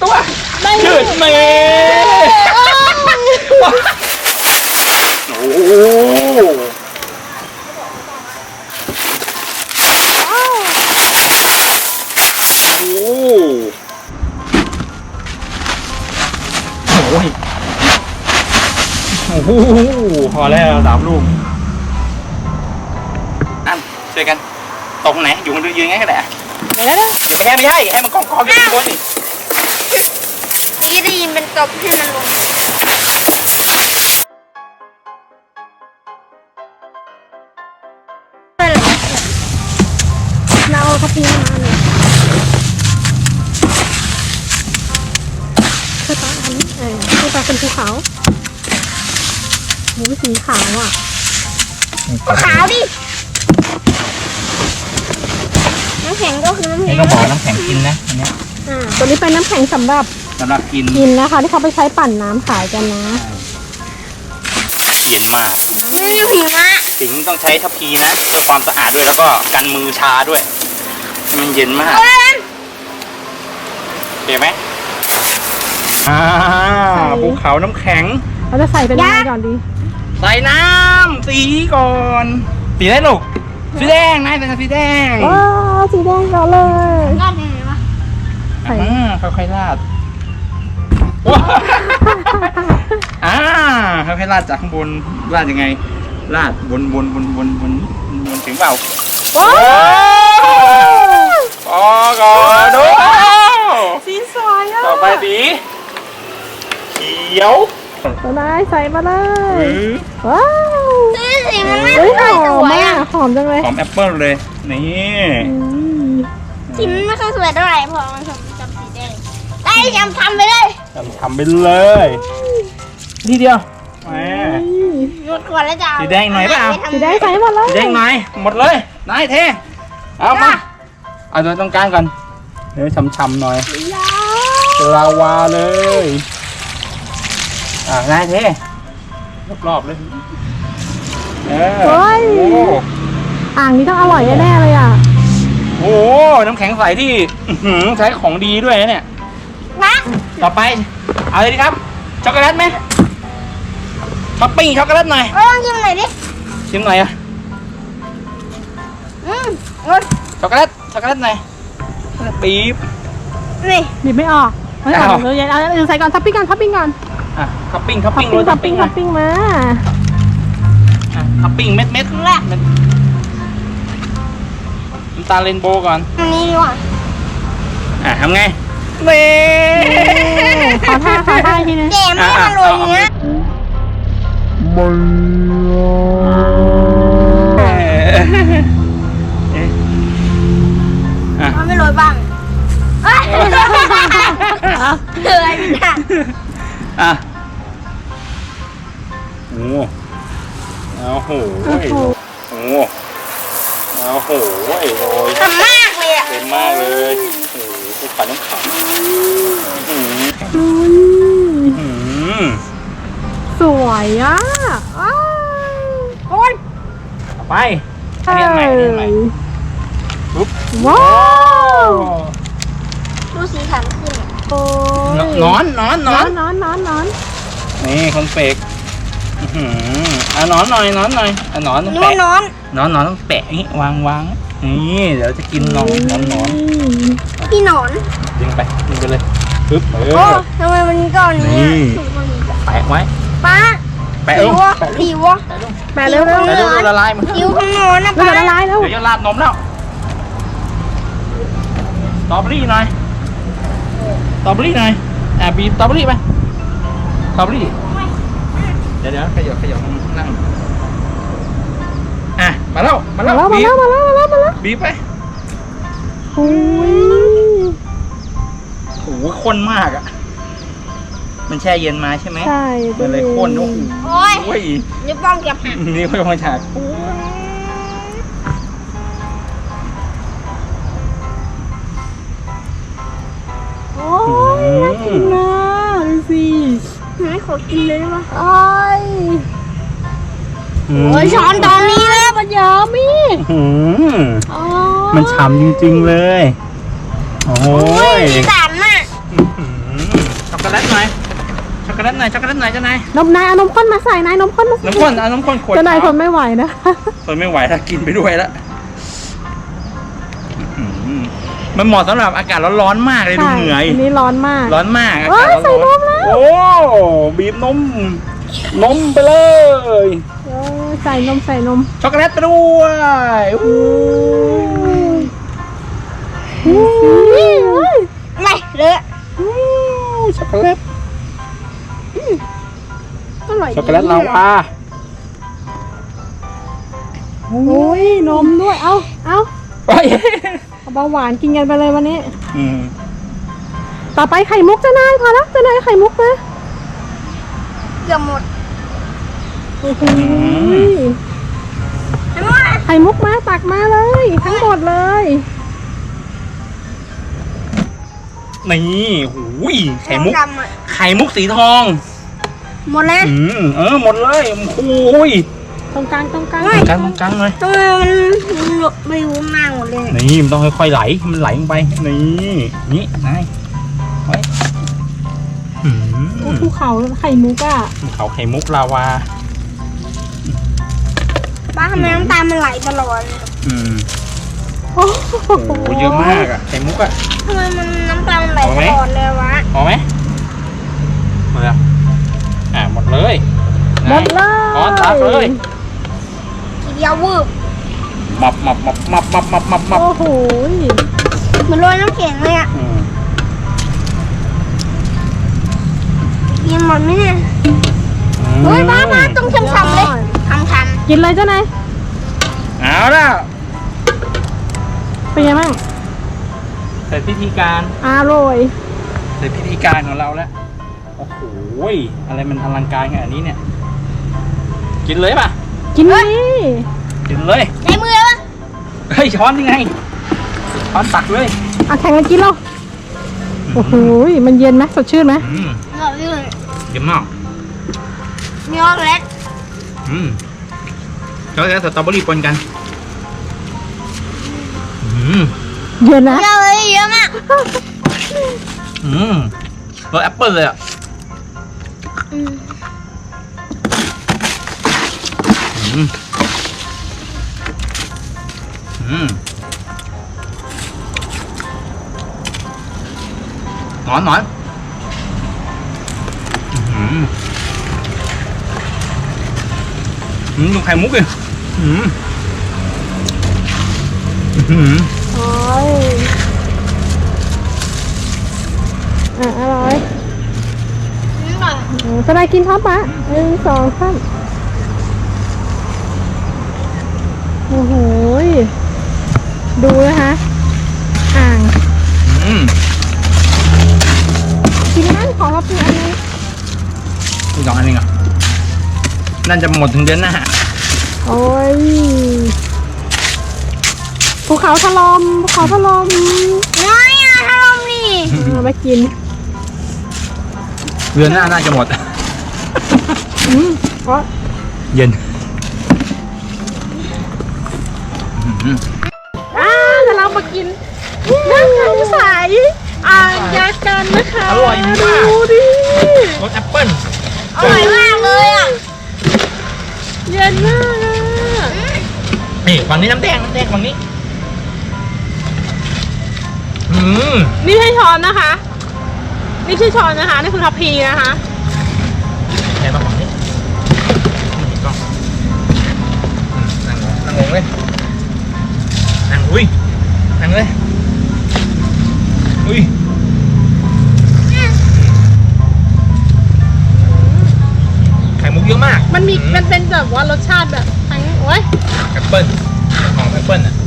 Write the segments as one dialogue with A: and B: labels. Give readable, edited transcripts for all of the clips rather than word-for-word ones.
A: ตัวยืดเมโอ้โหโอ้โหพอแล้ว3 ลูกช่วยกันตรงไหนอยู่มันยืนไงก็ได้ไม่ได้อย่าไปไม่ใช่ให้มันกองอยู่บนนี่
B: ได้ยินเป็นตบให้มันลง
C: เราเอากระปีมาเนี่ยคือตอนนั้นคือตอนเป็นภูเขาหมูสีขาวอ่ะ
B: ขาวดิน้ำแข็งก็คือน้ำแข็ง
A: ต้องบอกน้ำแข็งกินนะอันนี้
C: ตัวนี้เป็นน้ำแข็งสำหรับ
A: กิน
C: นะคะที่เขาไปใช้ปั่นน้ำขายกันนะ
A: เย็นมาก
B: นี่อยู่หิมะ
A: สิงต้องใช้ทัพพีนะเพื่อความสะอาดด้วยแล้วก็กันมือชาด้วยมันเย็นมากเห็นไหมภูเขาน้ำแข็ง
C: เราจะใส่เป็นอะไรก่อนดี
A: ใส่น้ำสีก่อนสีได้ลูกสีแดงนายเป็นสีแดง
C: ว้าวสีแดงก่อนเลย
B: ราดยังไงวะ
A: ค่อยๆราดค่อยๆราดจากข้างบนราดยังไงราดบนถึงเปล่า
C: ว้าว
A: พอก่อนดู
C: สีสวยอ่ะ
A: ต่อไปสีเขียว
C: มาได้ใส่มาเลยว้าว
B: สีมันไม่
C: ค่อยสวยอ่ะหอมจังเลย
A: หอมแอปเปิ้ลเลยนี่
B: สีมันไม่ค่อยสวยเท่าไหร่พอมันจำสีแดงได้ทำไปเลย
A: ทำไปเลยทีเดียว
B: หมดก่อนแล้วจ้า
A: สีแดงหน่อยเปล่า
C: สีแดงใส่หมดเลย
A: สีแดงหน่อยหมดเลยนายเทเอามาเอาตัวตรงกลางก่อนเดี๋ยวช้ำๆหน่อยลาวาเลยนายเทรอบๆเลย
C: อ่างนี้ต้องอร่อยแน่ๆเลยอ่ะ
A: โอ้น้ำแข็งใสที่ใช้ของดีด้วยนะเนี่ยต่อไปเอาเลยดีครับช็อกโกแลตไหมท็อปปิ้งช็อกโกแลตหน่อย
B: ชิมหน่อยดิ
A: ชิมหน่อยอ่ะช็อกโกแลตหน่อยปี๊บ
C: นี่บีบไม่ออกไม่ออกเลยเอาใส่ก่อนท็อปปิ้งก่อนท็อปปิ้ง
A: มาท็อปปิ้งเม็ด
B: แรก
A: น้ำตาลเรนโบว์ก่อน
B: อันนี้ดีกว่า
A: ทำไง
C: ขอท่าทีนึง
B: แกไม่อร่อยเนี้ยมันไม่โรยบ้างเลยนะ
A: โอ้โหโอ้ย
B: ทำมากเลยอ่ะ
A: เต็มมากเลยโอ้โหภูเขาน้ำแข็ง
C: สวยอ่ะ
B: คน
A: ไปเรียนใหม่ปุ๊บ
C: ว้าว
B: ดูสีสันขึ้น
A: นอนนี่คอนเฟกนอนหน่อยนอนต้องแปะนอนต้องแปะอย่างนี้วางนี่เดี๋ยวจะกินนอน
B: พี่นอน
A: ดึงไปเลยปึ๊บ
B: ทำไมมันก่อนนี้
A: แปะไว้
B: ป้า
A: แปะลง
B: ผิว
C: แปะเร็ว
A: ละลายมัน
B: ผิวข้างนอนนะป้า
C: ละลายแล้ว
A: เดี๋ยวจะราดนมแล้วสตรอเบอรี่หน่อยบีบสตรอเบอรี่ไปสตรอเบอรี่เดี๋ยวขยับนั่งมาแล้วบีบไป
C: โอ้
A: โหข้นมากอ่ะมันแช่เย็นมาใช่ไหม
C: ใช่
A: มันเลยข้นโอ้ย
B: นิ้วป้องเก็บหัก
A: นี่เขามาฉาก
C: โอ้ยน่ากินนะดูสิ
B: ไม่ขอกินเลยได้ปะ
C: โอ้ยช้อนตอนนี้แล้วปัญญามี
A: มันฉ่ำจริงๆเลยโอ้ย
B: สามอ่ะ
A: โกแลตหน่อยช็อกโกแลตหน่อยช็อกโกแลตหน่อยเจ้านาย
C: นมนายเอานมข้นมาใส่นายนมข้นมาใส่
A: น้ำข้นเอาน้ำข้นขวด
C: เจ้านายทนไม่ไหวนะ
A: ทนไม่ไหวถ้ากินไปด้วยแล้วมันเหมาะสำหรับอากาศร้อนๆมากเลยดูเหนื่อย
C: อันนี้ร้อนมาก
A: ร้อนมากอา
C: เอ้
A: กาศ
C: ยใส่
A: ร้อน
C: นมแล้ว
A: โอ้บีบนมไปเลย
C: ใส่นมใส่นม
A: ช็อกโกแลตไปด้วยอู้
B: ไม่เลอะ
A: ช็อกโกแลต
C: อร่อย
A: ช็อกโกแลตลาวา
C: โอ้ยนมด้วยเอา
A: เฮ้ย
C: เบาหวานกินกันไปเลยวันนี้
A: อืม
C: ต่อไปไข่มุกเจ้านายพอแล้วเจ้านายไข่มุกนะ
B: เกือบหมด
C: โอ้โห
B: เห็นไหม
C: ไข่มุกมาตักมาเลย ทั้งหมดเลย
A: นี่หูยไข่มุก
B: ดำๆอะ
A: ไข่มุกสีทอง
B: หมดแล้ว
A: หมดเลยโอ้ย
C: ตรงกลาง
A: กลางเลย
B: ทำไมมันไม่รู้มากหมดเลย
A: นี่มันต้องค่อยๆไหลให้มันไหลลงไปนี่นายไว้
C: ภูเขาไข่มุกอ่ะ
A: เขาไข่มุกลาวา
B: ป้าทำไมน้ำตาลมันไหลตลอดเลย
C: โอ้
A: โอ้โหเยอะมากอ่ะไข่มุกอ่ะ
B: ทำไมมันน้ำตาลมันไหลตลอดเลยวะ
A: พอไหมหมดแล้วหมดเลย
C: หมดเลย
A: อ๋อตักเลย
B: ทีเดียววืบ
A: มับ
C: โอ้โห
B: เหมือนโรยน้ำแข็งเลยอ่ะกินหมดไหมเนี่ยเฮ้ยป้าต้องช้ำๆเลยช้ำ
C: กินเลยเจ้านาย
A: เอาแล้ว
C: เป็นไงบ้าง
A: เสร็จพิธีการ
C: อร่อย
A: เสร็จพิธีการของเราแล้วโอ้โหอะไรมันอลังการขนาดนี้เนี่ยกินเลยป่ะ
C: กินเลย
A: กินเลย
B: ๆในมือวะ
A: เฮ้ยช้อนยังไงช้อนตักเลย
C: เอาแข่งกันกินเราโอ้โหมันเย็นไหมสดชื่นไหม
B: หมดเลย
A: เยี่ยมมาก
B: มีช็อกโกแลต
A: ช็อกโกแลตสตรอเบอรี่ปนกัน
C: เย็นนะ
B: เยอะเลยเยอะมาก
A: รสแอปเปิ้ลเลยอ่ะหนอนดูไข่มุกเลย
C: โอ้ยอร่อย
B: นี่ก่อน
C: สบายกินท็อปปะ1 2 3โอ้โหดูนะคะอ่างกินนั่งขอท็อปปี้อันนี้
A: อีก2 อันเองอ่ะน่าจะหมดถึงเดือนหน้า
C: โอ้ยภูเขาถล่ม
B: น้อยอ่ะถ้าลมนี่
C: เอามากิน
A: เดือนหน้าน่าจะหมด
C: เพราะ
A: เย็น
C: เดี๋ยวเรามากินน้ำแข็งใสอ่างยากันนะคะ
A: อร่อยมาก
C: ดูดิ
A: รสแอปเปิ้ล
B: อร่อยมากเลยอ่ะ
C: เย็นมากอะ
A: นี่ฝั่งนี้น้ำแดงฝั่งนี้
C: นี่ใช่ช้อนนะคะ นี่คือช้อนนะคะ นี่คือทัพพีนะคะ
A: แกมาฝั่งนี้นี่กล้องนั่งลงเลยนั่งเลยไข่มุกเยอะมาก
C: มันเป็นแบบว่ารสชาติแบบทั้งโอ้ย
A: แอปเปิ้ลของแอปเปิ้ลอ่ะ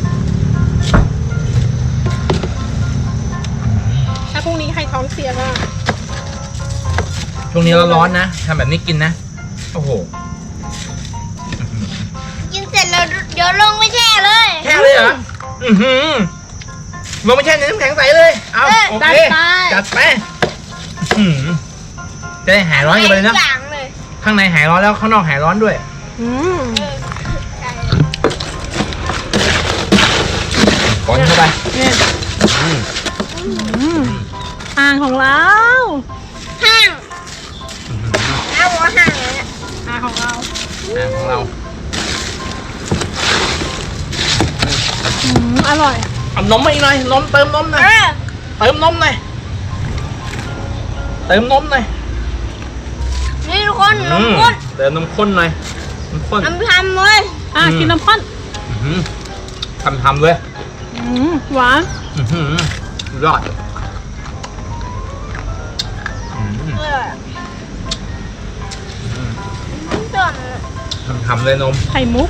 C: ถ้าพรุ่งนี้ใครท้องเสียก็
A: ช่วงนี้ร้อนๆนะทำแบบนี้กินนะโอ้โห
B: กินเสร็จแล้วเดี๋ยวลงไม่แช่เลย
A: แช่เลยเหรอลงไม่แช่ในน้ำแข็งใสเลยเอาโอเคจัดไปจะได้หายร้อนกันไปเลยนะ
B: อย่างเลย
A: ข้างในหายร้อนแล้วข้างนอกหายร้อนด้วย
B: ใช่
A: ก้อนเข้าไป
C: เนี่ยอ่างของเรา
B: ห้าเอาหัวห่างเนี่ย
C: ของเรา
A: ของเรา
C: อร่อย
A: เอานมมาอีกหน่อยนมเติมนมหน่อยเติมนมหน่อยเติมนมหน่อย
B: นี่ทุกคนนมข้น
A: เติมนมข้นหน่อยนมข้น
B: น้ำทำเลย
C: กินน้ำข้น
A: ทำเลย
C: หวาน
A: ยอด
B: ต้น
A: ทำเลยนม
C: ไข่มุก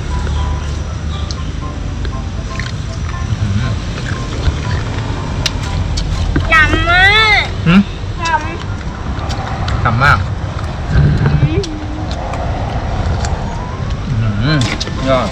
B: ยำมาก
A: หืม
B: ย
A: ทำมากยอด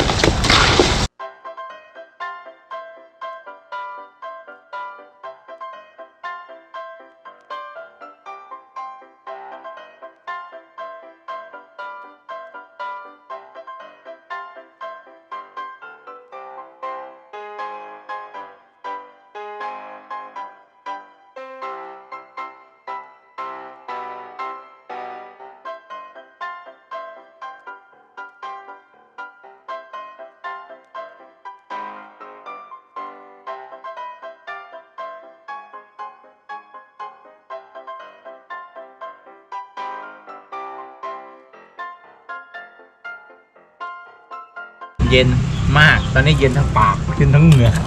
A: เย็นมากตอนนี้เย็นทั้งปากเย็นทั้งเหงื่อ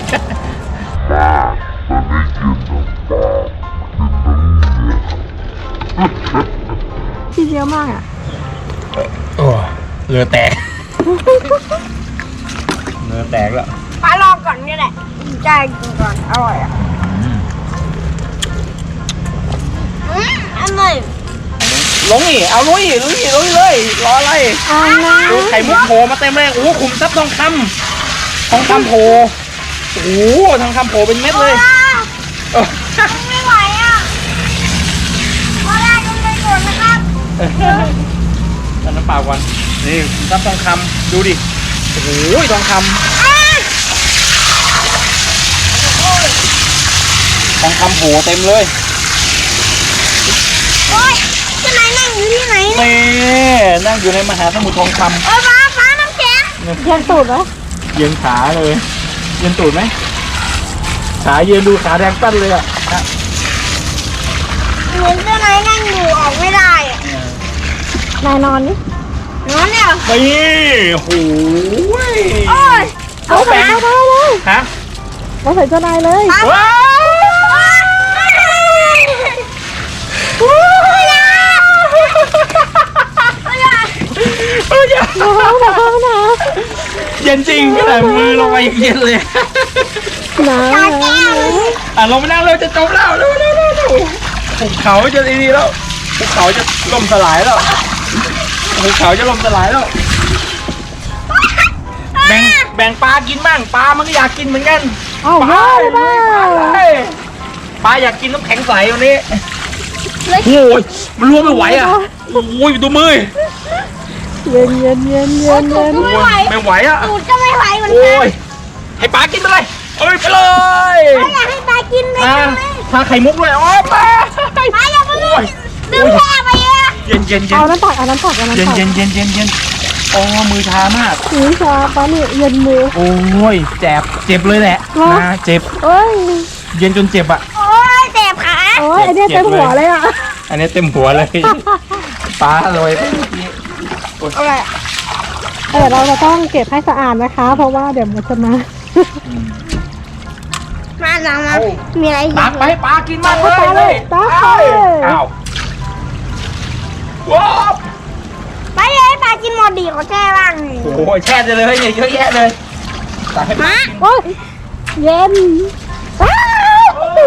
C: ที่เยอะมากอ่ะ
A: โอ้เรือแตกเรือแตกแล้ว
B: ำปลาลองก่อนนี่แหละใจกินก่อนอร่อยอ่ะอร่อย
A: ลงนี่เอาลุยเลยรออะไรดูไข่มุกโผล่มาเต็มเลยโอ้ขุมทรัพย์ทองคำโผล่โอ้ทองคำโผล่เป็นเม็ดเลยเออ
B: ไม่ไหวอ่ะพอได้ก็ไม่หมดนะครับ
A: เอาน้ำเปล่าก่อนนี่ขุมทรัพย์ทองคำดูดิโอ้โหทองคำโผล่เต็มเลย
B: โอ๊ยที่ไหนนั่งอยู่ที่ไหน
A: นี่นั่งอยู่ในมหาสมุทรทองคำ
B: ฟ้าน้ำแข็ง
C: เย็นตูดไหม
A: เย็นขาเลยเย็นตูดไหมขาเย็นดูขาแดงตั้นเลยอ่ะ
B: เหมือนที่ไหนนั่งอยู่ออกไม่ได้อ่ะ
C: นายนอนนี่
B: นอนเนี่ย
A: นี่โอ้โห
B: โอ๊ย
A: เอาแบง
C: ได้เลย
A: ฮะ
C: เราใส่เจ้านายเลย
A: ว้าว
C: หนาว
A: เย็นจริงขนาดมือลงไปเย็นเลย
C: หนาว
A: อ่ะลงไปนั่งเราจะจมแล้วเร็วภูเขาจะดีแล้วภูเขาจะล่มสลายแล้วภูเขาจะล่มสลายแล้วแบ่งปลากินบ้างปลามันก็อยากกินเหมือนกัน
C: เอา
A: ปลา
C: ได้
A: ปลาอยากกินน้ำแข็งใสวันนี้โอ้ยมันรวมไม่ไหวอ่ะโอ้ยดูมือ
C: เย็นเย็นเย็นเย็นเย็น
A: โอ้ยไม่ไหวอ่ะ
B: ตูดก็ไม่ไหวเหมือน
A: โอ้
B: กัน
A: ยให้ปลากินไปเลยเอ้ยไปเลย
B: อยากให้ปลากินเลย
A: ทาไข่มุกด้วยโอ้ยปลา
B: ปลาอยากมาลูกดึงแค่ไปอ่ะ
A: เย็นเย็น
C: เอาน้ำตักเอาน้ำตักเอาน้ำ
A: เย็น
C: ตัก
A: เย็นเย็นเย็นเย็นโอ้มือชามาก
C: หูชาปะนี่เย็นมือ
A: โอ้ยเจ็บเลยแหละนะเจ็บ
C: เอ้ย
A: เย็นจนเจ็บอ่ะ
B: โอ๊ยเจ็บขา
C: โอ้ยไอเนี้ยเต็มหัวเลยอ่ะ
A: อันนี้เต็มหัวเลยปลาเลย
B: อะไรอ่ะ
C: เดี๋ยวเราจะต้องเก็บให้สะอาดนะคะ เพราะว่าเดี๋ยวมันจะมา
B: มาหลังมามีอะไรอีก
A: ตักไปปลากินมากเลย
C: ตักไปเลยตักไปเลย
A: อ้าวว้าว
B: ไปเลยปลากินหมดดีเขาแช่บ้าง
A: โอ้ยแช่เลยเนี่ยเยอะแยะเลยตักให้ปลา
B: มา
C: โอ้ยเย็นอ้าว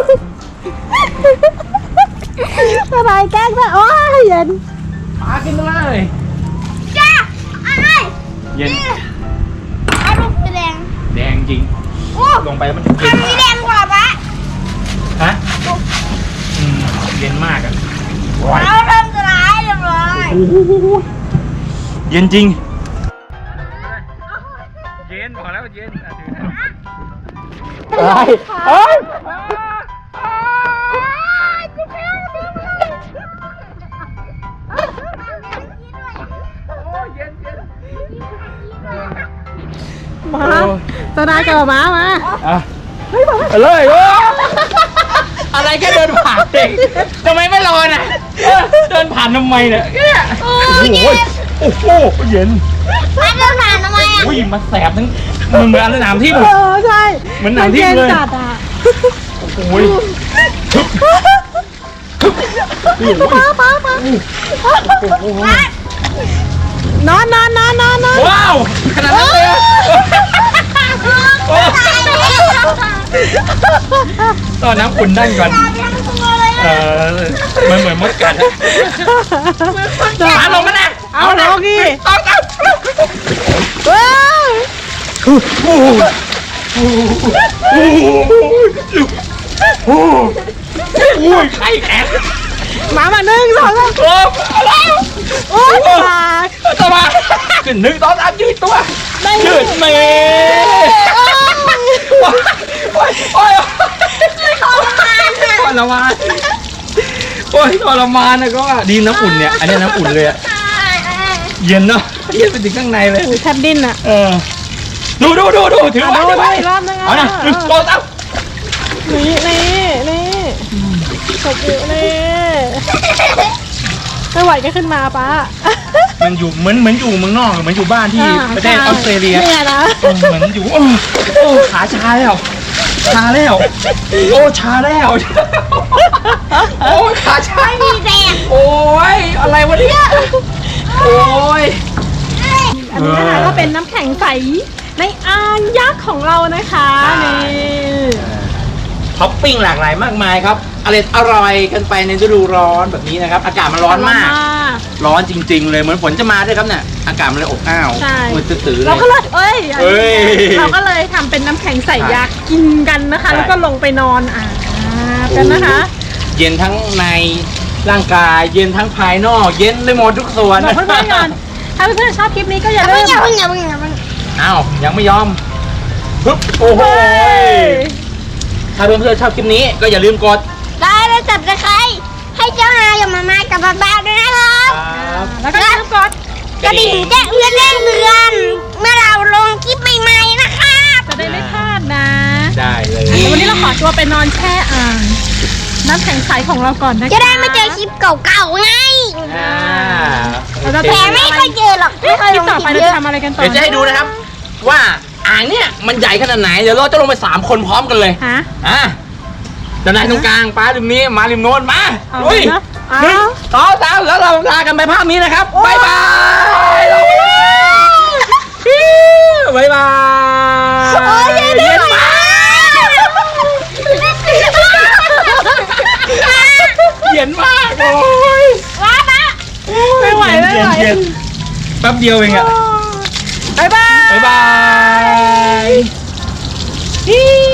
C: สบายแกล้งนะโอ้ยเย็น
A: ปลากินเลย
B: จ้าอะไร
A: เย็น
B: เอาลูกสีแดง
A: แดงจริง
B: โอ้
A: ลงไปแล้วมันจะเย็น
B: ทำสีแดงกว่าปะ
A: ฮะเย็นมากอ่ะว้าย
B: เราเริ่มจะร้ายเลย
A: โอ้โหเย็นจริง เย็นบอกแล้วเย็นเฮ้ยเฮ้ย
C: มาตนากับม้ามา
A: อ่ะไปเลยโอ้อะไรแค่เดินผ่านเองทำไมไม่รอน่ะเดินผ่านทำไมเนี่ยโอ้โหโอ้โหเย็น
B: มาเดินผ่านทำไมอ่ะ
A: อุ้ยมันแสบทั้งมันเหมือนสนามที่
C: ใช่
A: เหมือนหนังที่เลย
C: จัดอ่ะ
A: โอ้ย
C: ป้านอน
A: ว้าวขนาดนั้นเลยตอนน้ำขุ่นนั่งก่อนมันเหมือนมดกัดมาลงมานะ
C: เอาลงดิ
A: ต้อง
C: ว้าว
A: โอ้ยไข่แข็ง
C: มา1 2 3
A: อะไร
C: โอ้ยตาย
A: ต่อมาขึ้น1 2 3ยืดตัวยืดเมย์โอ้ยทรมานโอ้ยทรมานนะก็ดีน้ำอุ่นเนี่ยอันนี้น้ำอุ่นเลยอะเย็นเนาะเย็นไปถึงข้างในเลย
C: แทบดิ้นอ่ะ
A: ดูถือไว้
C: ดูอีกรอบนึง
A: เอานะ1 2 3
C: นี่ตบอยู่นี่ไม่ไหวก็ขึ้นมาป้า
A: มันอยู่เหมือนอยู่เมืองนอกเหมือนอยู่บ้านที่ประเทศออสเตรเลีย
C: เนี่ยนะ
A: เหมือนอยู่โอ้ขาชาแล้วโอ้ชาแล้วโอ้ขาชา
B: ไม่มีแรง
A: โอ้ยอะไรวะเนี่ยโอ้ย
C: อันนี้นะคะก็เป็นน้ำแข็งใสในอ่างยักษ์ของเรานะคะนี่
A: ท็อปปิ้งหลากหลายมากมายครับอร่อยกันไปในฤดูร้อนแบบนี้นะครับอากาศมันร้อนมากร้อนจริงๆเลยเหมือนฝนจะมาด้วยครับเนี่ยอากาศมันเลยอบอ้าวมันตื้อๆเลย
C: เราก็เลยเราก็เลยทำเป็นน้ำแข็งใสยักษ์กินกันนะคะ แล้วก็ลงไปนอนกันนะคะ
A: เย็นทั้งในร่างกายเย็นทั้งภายนอกเย็นไปหมดทุกส่วน
C: บอกเพื่อนๆก่อนถ้าเพื่อนๆชอบคลิปนี้ก็อย่าลืม
B: อย่าเพิ่ง
A: อ้าวยังไม่ยอมปึ๊บโอ้โหถ้าเพื่อนๆชอบคลิปนี้ก็อย่าลืมกด
B: ได้แล้วจับตะไคร้ให้เจ้านายกับมาม่ากับบ้าๆด้วยนะครับ
C: แล้วก็อย่าลืมกด
B: กระดิ่งแจ้งเตือนเมื่อเราลงคลิปใหม่ๆนะครับ
C: จะได้ไม่พลาดนะ
A: ได้เลย
C: วันนี้เราขอตัวไปนอนแช่อ่างน้ำแข็งใสของเราก่อนนะคะ
B: จะได้ไม่เจอคลิปเก่าๆไง
C: เราจะ
B: แต่ไม่ค่อยเจอหรอกไม่ค่อย
C: คลิ
B: ล
C: ป
B: ง
C: ต่อ
B: ค
C: ไป
B: ลิป
C: เรา
B: เย
C: จะ
B: อะ
C: ทำอะไรกันต่อ
A: เดี๋ยวจะให้ดูนะครับ ว่าอ่างเนี่ยมันใหญ่ขนาดไหนเดี๋ยวเราจะลงไป3 คนพร้อมกันเลย
C: ฮะ
A: ด้านในตรงกลางป้าริมนี้มาริมโน้นมา
C: เอา
A: ลุย
C: เนอะเอา
A: 1 2 3แล้วเราลากันไปภาพนี้นะครับบ๊ายบายบ๊ายบาย
B: โอ้ยเย็นมาก
A: เย็นมากโอ้ย
B: ว้าปะ
C: ไม่ไหว
A: เย็นแป๊บเดียวเองอะ
C: บ๊ายบาย
A: บ๊ายบาย